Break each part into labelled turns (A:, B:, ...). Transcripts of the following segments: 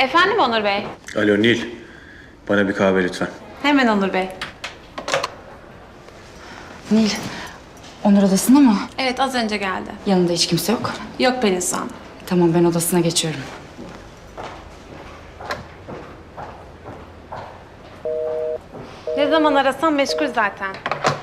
A: Efendim Onur Bey?
B: Alo Nil, bana bir kahve lütfen.
A: Hemen Onur Bey.
C: Nil, Onur odasında mı?
A: Evet, az önce geldi.
C: Yanında hiç kimse yok.
A: Yok Pelin Su Hanım.
C: Tamam, ben odasına geçiyorum.
A: Ne zaman arasam meşgul zaten.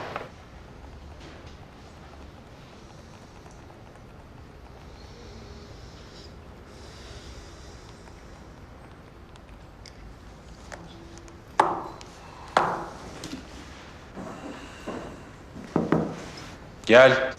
B: Gel.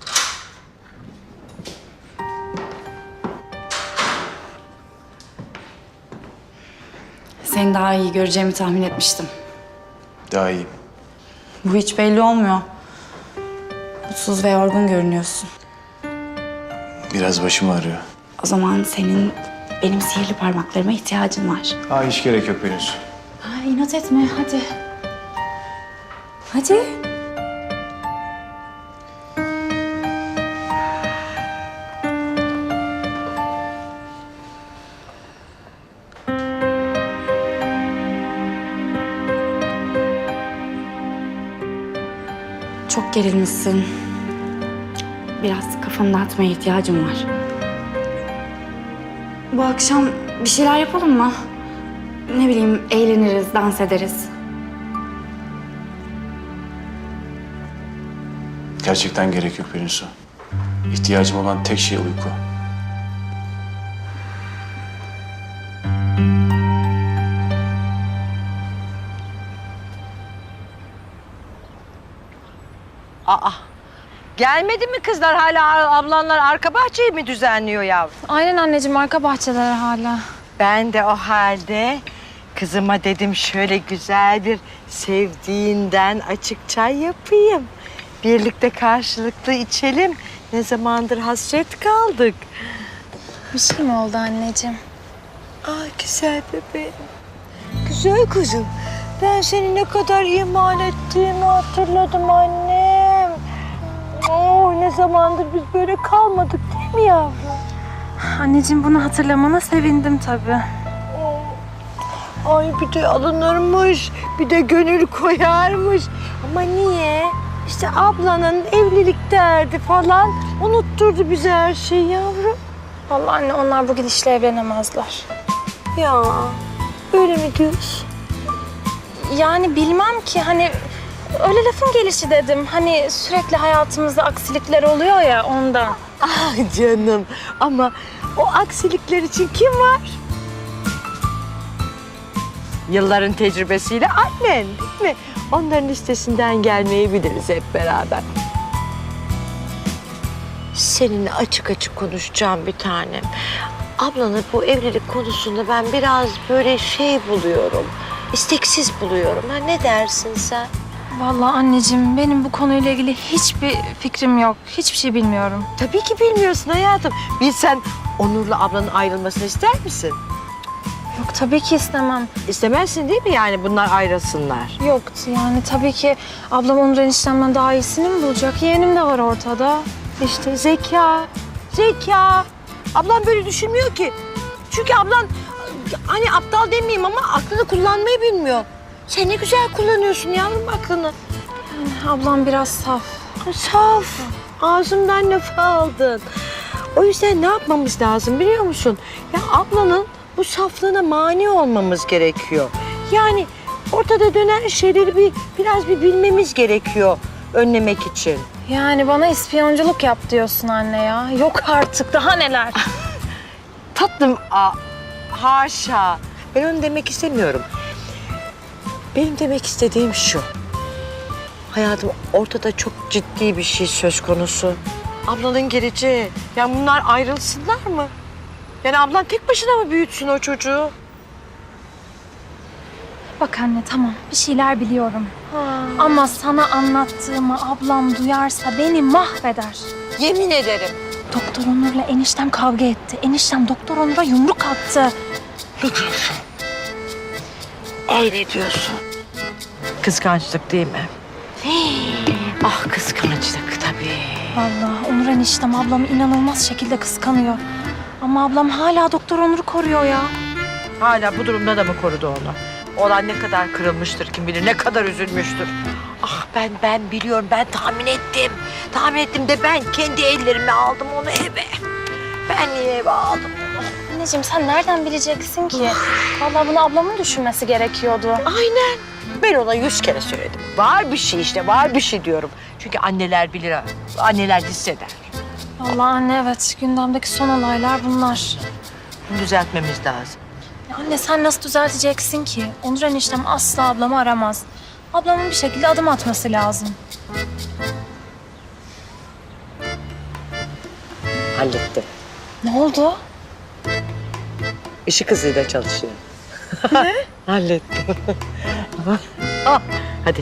C: Seni daha iyi göreceğimi tahmin etmiştim.
B: Daha iyiyim.
C: Bu hiç belli olmuyor. Mutsuz ve yorgun görünüyorsun.
B: Biraz başım ağrıyor.
C: O zaman senin benim sihirli parmaklarıma ihtiyacın var.
B: Hiç gerek yok henüz.
C: İnat etme, hadi. Hadi. Çok gerilmişsin. Biraz kafanı dağıtmaya ihtiyacım var. Bu akşam bir şeyler yapalım mı? Ne bileyim, eğleniriz, dans ederiz.
B: Gerçekten gerek yok Pelinsu. İhtiyacım olan tek şey uyku.
D: Aa, gelmedi mi kızlar? Hala ablanlar arka bahçeyi mi düzenliyor yavrum?
E: Aynen anneciğim, arka bahçeler hala.
D: Ben de o halde kızıma dedim şöyle güzel bir sevdiğinden açık çay yapayım. Birlikte karşılıklı içelim. Ne zamandır hasret kaldık.
E: Bir şey mi oldu anneciğim?
D: Ay güzel bebeğim. Güzel kızım. Ben seni ne kadar ihmal ettiğimi hatırladım annem. Oh, ne zamandır biz böyle kalmadık değil mi yavrum?
E: Anneciğim, bunu hatırlamana sevindim tabii.
D: Ay bir de alınırmış, bir de gönül koyarmış. Ama niye? İşte ablanın evlilik derdi falan unutturdu bize her şeyi yavrum.
E: Vallahi anne, onlar bu gidişle evlenemezler.
D: Ya öyle mi diyorsun?
E: Yani bilmem ki, hani öyle lafın gelişi dedim. Hani sürekli hayatımızda aksilikler oluyor ya, ondan.
D: Ah canım, ama o aksilikler için kim var? Yılların tecrübesiyle annen değil mi? Onların listesinden gelmeyi biliriz hep beraber. Seninle açık açık konuşacağım bir tanem. Ablanın bu evlilik konusunda ben biraz böyle şey buluyorum. İsteksiz buluyorum. Ha, ne dersin sen?
E: Vallahi anneciğim, benim bu konuyla ilgili hiçbir fikrim yok. Hiçbir şey bilmiyorum.
D: Tabii ki bilmiyorsun hayatım. Bilsen Onur'la ablanın ayrılmasını ister misin?
E: Yok, tabii ki istemem.
D: İstemezsin değil mi yani bunlar ayrılsınlar?
E: Yok yani, tabii ki ablam Onur eniştemden daha iyisini mi bulacak? Yeğenim de var ortada.
D: İşte zeka, zeka. Ablam böyle düşünmüyor ki. Çünkü ablan hani aptal demeyeyim ama aklını kullanmayı bilmiyor. Sen ne güzel kullanıyorsun yavrum aklını.
E: Ablam biraz saf.
D: Saf. Ağzımdan laf aldın. O yüzden ne yapmamız lazım biliyor musun? Ya ablanın bu saflığına mani olmamız gerekiyor. Yani ortada dönen şeyleri biraz bilmemiz gerekiyor önlemek için.
E: Yani bana ispiyonculuk yap diyorsun anne ya. Yok artık, daha neler.
D: Tatlım, haşa. Ben onu demek istemiyorum. Benim demek istediğim şu. Hayatım, ortada çok ciddi bir şey söz konusu. Ablanın geleceği. Yani bunlar ayrılsınlar mı? Yani ablan tek başına mı büyütsün o çocuğu?
E: Bak anne, tamam, bir şeyler biliyorum. Ama sana anlattığımı ablam duyarsa beni mahveder.
D: Yemin ederim.
E: Doktor Onur'la eniştem kavga etti. Eniştem Doktor Onur'a yumruk attı.
D: Ne diyorsun? Ne diyorsun? Kıskançlık değil mi? Ah, kıskançlık tabii.
E: Vallahi Onur eniştem ablamı inanılmaz şekilde kıskanıyor. Ama ablam hala Doktor Onur'u koruyor ya.
D: Hala bu durumda da mı korudu onu? Oğlan ne kadar kırılmıştır kim bilir, ne kadar üzülmüştür. Ah ben biliyorum, ben tahmin ettim. Tahmin ettim de ben kendi ellerimle aldım onu eve. Ben niye eve aldım onu?
E: Anneciğim sen nereden bileceksin ki? Vallahi bunu ablamın düşünmesi gerekiyordu.
D: Aynen. Ben ona 100 kere söyledim. Var bir şey işte, var bir şey diyorum. Çünkü anneler bilir, anneler hisseder.
E: Vallahi anne evet gündemdeki son olaylar bunlar.
D: Bunu düzeltmemiz lazım.
E: Ya anne sen nasıl düzelteceksin ki? Onur eniştem asla ablamı aramaz. Ablamın bir şekilde adım atması lazım.
D: Hallettim.
E: Ne oldu?
D: Işık hızıyla çalışıyor. Ne? Hallettim. Ah, hadi.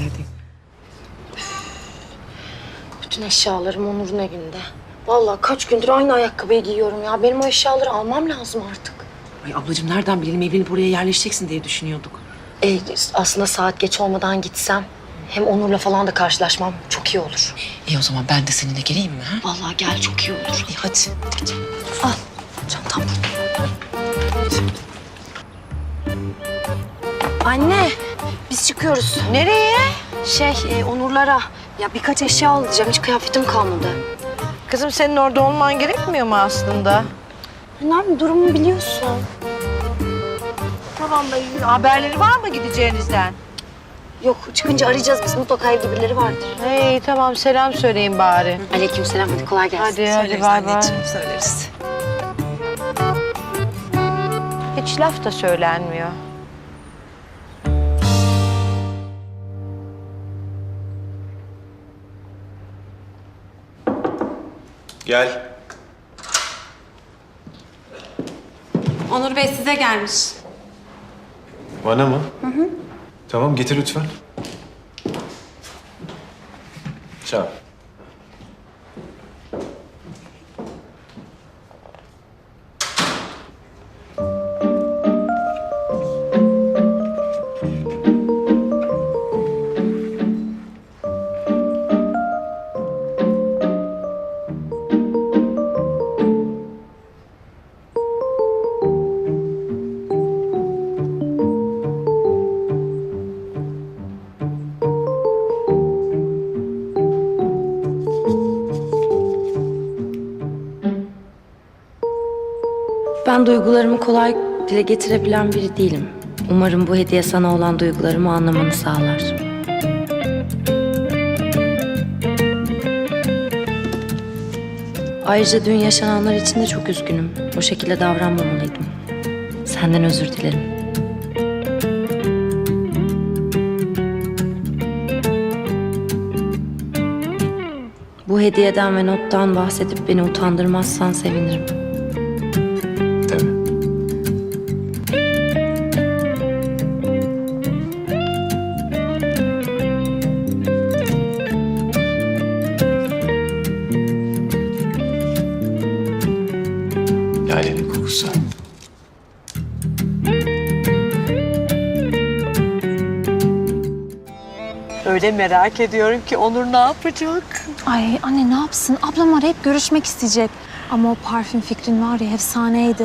C: Bütün eşyalarım Onur'un evinde. Vallahi kaç gündür aynı ayakkabıyı giyiyorum ya. Benim o eşyaları almam lazım artık.
F: Ay ablacığım nereden bilelim evlenip oraya yerleşeceksin diye düşünüyorduk.
C: Aslında saat geç olmadan gitsem hem Onur'la falan da karşılaşmam çok iyi olur.
F: İyi o zaman ben de seninle geleyim mi? Ha?
C: Vallahi gel çok iyi olur.
F: İyi hadi.
C: Al çantam. Anne biz çıkıyoruz.
D: Nereye?
C: Onurlara ya birkaç eşya alacağım. Hiç kıyafetim kalmadı.
D: Kızım senin orada olman gerekmiyor mu aslında?
C: Annem durumu biliyorsun.
D: Tamam da haberleri var mı gideceğinizden?
C: Yok çıkınca arayacağız biz. Mutlaka evde birileri vardır.
D: Hey tamam selam söyleyin bari.
C: Aleykümselam hadi kolay gelsin.
D: Hadi bay bay.
F: Söyleriz.
D: Hiç laf da söylenmiyor.
B: Gel.
A: Onur Bey size gelmiş.
B: Bana mı? Hı. Tamam getir lütfen. Sağ ol.
G: Ben duygularımı kolay dile getirebilen biri değilim. Umarım bu hediye sana olan duygularımı anlamanı sağlar. Ayrıca dün yaşananlar için de çok üzgünüm. O şekilde davranmamalıydım. Senden özür dilerim. Bu hediyeden ve nottan bahsedip beni utandırmazsan sevinirim.
B: Tabii. Lalenin kokusu.
D: Öyle merak ediyorum ki Onur ne yapacak?
E: Ay anne ne yapsın? Ablam arayıp görüşmek isteyecek. Ama o parfüm fikrin var ya efsaneydi.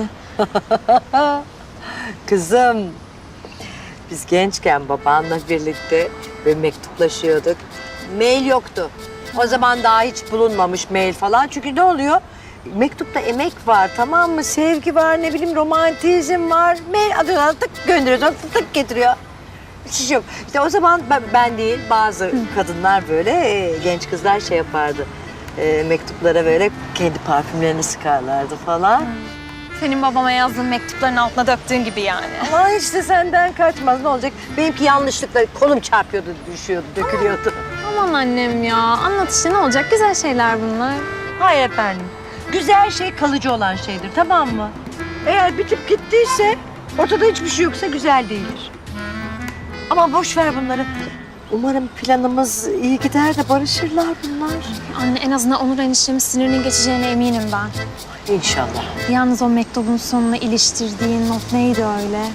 D: Kızım, biz gençken babanla birlikte ve mektuplaşıyorduk. Mail yoktu. O zaman daha hiç bulunmamış mail falan. Çünkü ne oluyor? Mektupta emek var, tamam mı? Sevgi var, ne bileyim romantizm var. Mail adına tık gönderiyorsun, tık tık getiriyor. Hiç yok. İşte o zaman ben değil, bazı kadınlar böyle, genç kızlar şey yapardı. Mektuplara böyle kendi parfümlerini sıkarlardı falan.
E: Senin babama yazdığın mektupların altına döktüğün gibi yani.
D: Ama hiç de senden kaçmaz. Ne olacak? Benimki yanlışlıkla kolum çarpıyordu, düşüyordu, dökülüyordu.
E: Aman annem ya. Anlat işte ne olacak? Güzel şeyler bunlar.
D: Hayır efendim. Güzel şey kalıcı olan şeydir, tamam mı? Eğer bitip gittiyse, ortada hiçbir şey yoksa güzel değildir. Ama boş ver bunları. Umarım planımız iyi gider de barışırlar bunlar.
E: Anne en azından Onur eniştemin sinirinin geçeceğine eminim ben.
D: İnşallah.
E: Yalnız o mektubun sonuna iliştirdiğin not neydi öyle?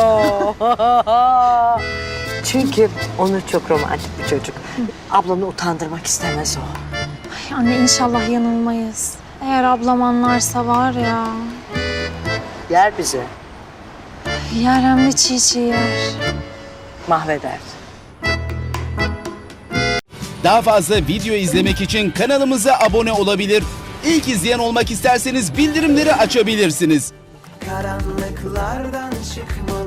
D: Çünkü Onur çok romantik bir çocuk. Ablanı utandırmak istemez o.
E: Ay anne inşallah yanılmayız. Eğer ablam anlarsa var ya.
D: Yer bizi.
E: Yer hem de çiğ çiğ yer.
D: Mahveder.
H: Daha fazla video izlemek için kanalımıza abone olabilir. İlk izleyen olmak isterseniz bildirimleri açabilirsiniz.
I: Karanlıklardan çıkmalı